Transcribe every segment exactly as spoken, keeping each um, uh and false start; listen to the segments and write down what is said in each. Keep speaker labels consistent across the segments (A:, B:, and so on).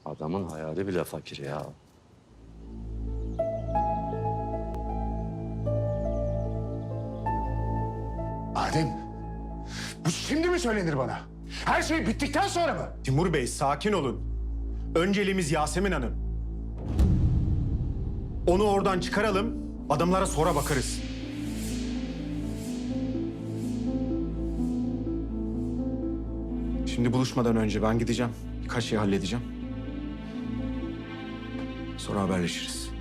A: Adamın hayali bile fakir ya.
B: Adem, bu şimdi mi söylenir bana? Her şey bittikten sonra mı?
C: Timur Bey, sakin olun. Önceliğimiz Yasemin Hanım. Onu oradan çıkaralım, adamlara sonra bakarız. Şimdi buluşmadan önce ben gideceğim. Birkaç şey halledeceğim. Sonra haberleşiriz.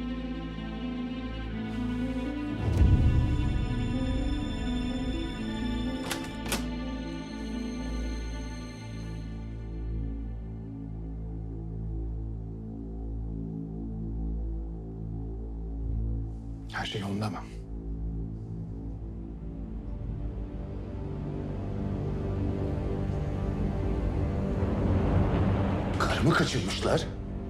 B: Her şey yolunda mı? Karımı kaçırmışlar.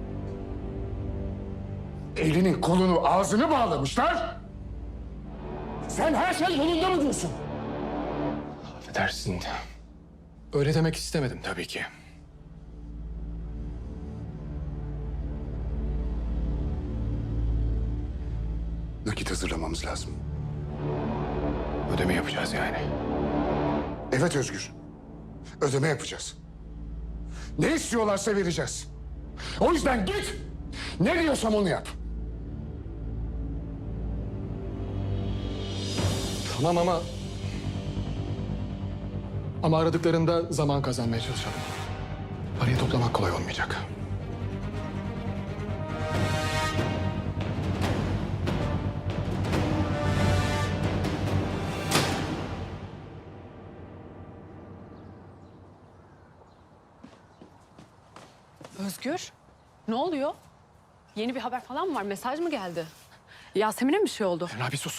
B: Elini, kolunu, ağzını bağlamışlar. Sen her şey yolunda mı diyorsun?
D: Affedersin. Öyle demek istemedim tabii ki.
B: Nakit hazırlamamız lazım.
D: Ödeme yapacağız yani.
B: Evet Özgür. Ödeme yapacağız. Ne istiyorlarsa vereceğiz. O yüzden git. Ne diyorsam onu yap.
D: Tamam ama... Ama aradıklarında zaman kazanmaya çalışalım. Parayı toplamak kolay olmayacak.
E: Özgür, ne oluyor? Yeni bir haber falan mı var? Mesaj mı geldi? Yasemin'e mi bir şey oldu?
D: Emrah bir sus.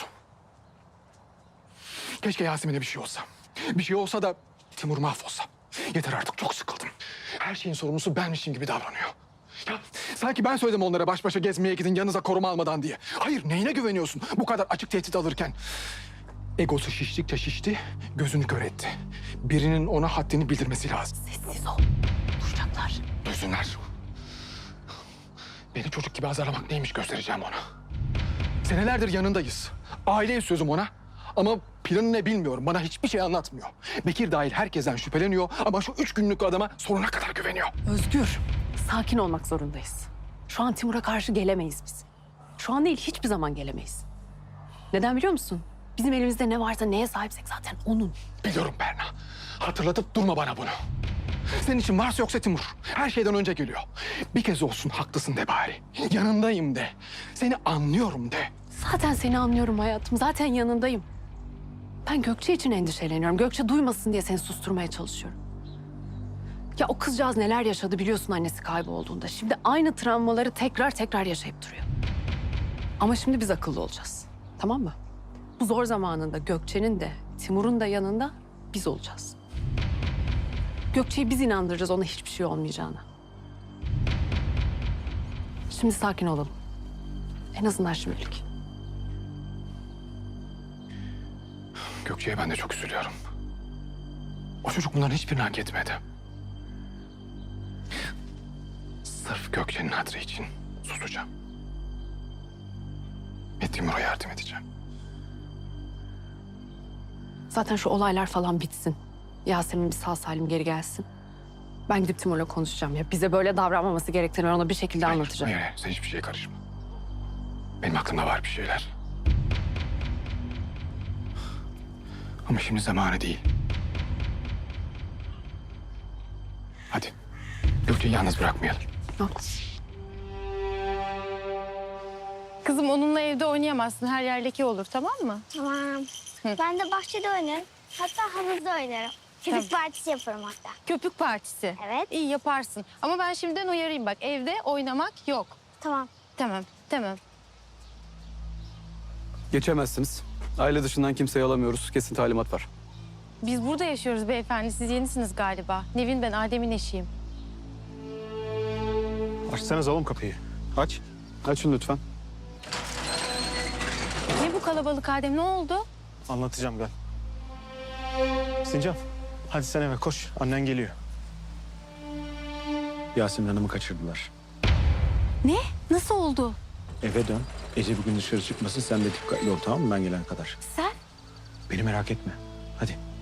D: Keşke Yasemin'e bir şey olsa. Bir şey olsa da Timur mahvolsa. Yeter artık, çok sıkıldım. Her şeyin sorumlusu benmişim gibi davranıyor. Ya sanki ben söyledim onlara baş başa gezmeye gidin yanınıza koruma almadan diye. Hayır, neyine güveniyorsun bu kadar açık tehdit alırken? Egosu şiştikçe şişti, gözünü kör etti. Birinin ona haddini bildirmesi lazım.
E: Sessiz ol. Duyacaklar.
D: Duysunlar. Beni çocuk gibi azarlamak neymiş göstereceğim ona. Senelerdir yanındayız. Aileyiz sözüm ona. Ama planı ne bilmiyorum. Bana hiçbir şey anlatmıyor. Bekir dahil herkesten şüpheleniyor ama şu üç günlük adama sonuna kadar güveniyor.
E: Özgür, sakin olmak zorundayız. Şu an Timur'a karşı gelemeyiz biz. Şu an değil, hiçbir zaman gelemeyiz. Neden biliyor musun? Bizim elimizde ne varsa, neye sahipsek zaten onun.
D: Biliyorum Berna. Hatırlatıp durma bana bunu. Senin için varsa yoksa Timur. Her şeyden önce geliyor. Bir kez olsun haklısın de bari. Yanındayım de. Seni anlıyorum de.
E: Zaten seni anlıyorum hayatım. Zaten yanındayım. Ben Gökçe için endişeleniyorum. Gökçe duymasın diye seni susturmaya çalışıyorum. Ya o kızcağız neler yaşadı biliyorsun annesi kaybolduğunda. Şimdi aynı travmaları tekrar tekrar yaşayıp duruyor. Ama şimdi biz akıllı olacağız. Tamam mı? Bu zor zamanında Gökçe'nin de Timur'un da yanında biz olacağız. Gökçe'yi biz inandıracağız ona hiçbir şey olmayacağına. Şimdi sakin olalım. En azından şimdilik.
D: Gökçe'ye ben de çok üzülüyorum. O çocuk bunların hiçbirini hak etmedi. Sırf Gökçe'nin hatırı için susacağım. Ve Timur'a yardım edeceğim.
E: Zaten şu olaylar falan bitsin. Yasemin bir sağ salim geri gelsin. Ben gidip Timur'la konuşacağım ya. Bize böyle davranmaması gerektiğini ben ona bir şekilde
D: Hayır,
E: anlatacağım.
D: Hayır, hayır, sen hiçbir şeye karışma. Benim aklımda var bir şeyler. Ama şimdi zamanı değil. Hadi. Gökçe'yi yalnız bırakmayalım.
E: Haklısın.
F: Kızım onunla evde oynayamazsın. Her yer leke olur, tamam mı?
G: Tamam. Ben de bahçede oynarım. Hatta havuzda oynarım. Köpük partisi yaparım hatta.
F: Köpük partisi.
G: Evet.
F: İyi yaparsın. Ama ben şimdiden uyarayım bak. Evde oynamak yok.
G: Tamam.
F: Tamam, tamam.
H: Geçemezsiniz. Aile dışından kimseyi alamıyoruz. Kesin talimat var.
F: Biz burada yaşıyoruz beyefendi. Siz yenisiniz galiba. Nevin ben, Adem'in eşiyim.
C: Açsanız oğlum kapıyı.
H: Aç. Açın lütfen.
F: Ne bu kalabalık Adem, ne oldu?
C: Anlatacağım gel. Sincan, hadi sen eve koş. Annen geliyor. Yasemin Hanım'ı kaçırdılar.
F: Ne? Nasıl oldu?
C: Eve dön. Ece bugün dışarı çıkmasın. Sen de dikkatli ol, tamam mı, ben gelene kadar.
F: Sen?
C: Beni merak etme. Hadi.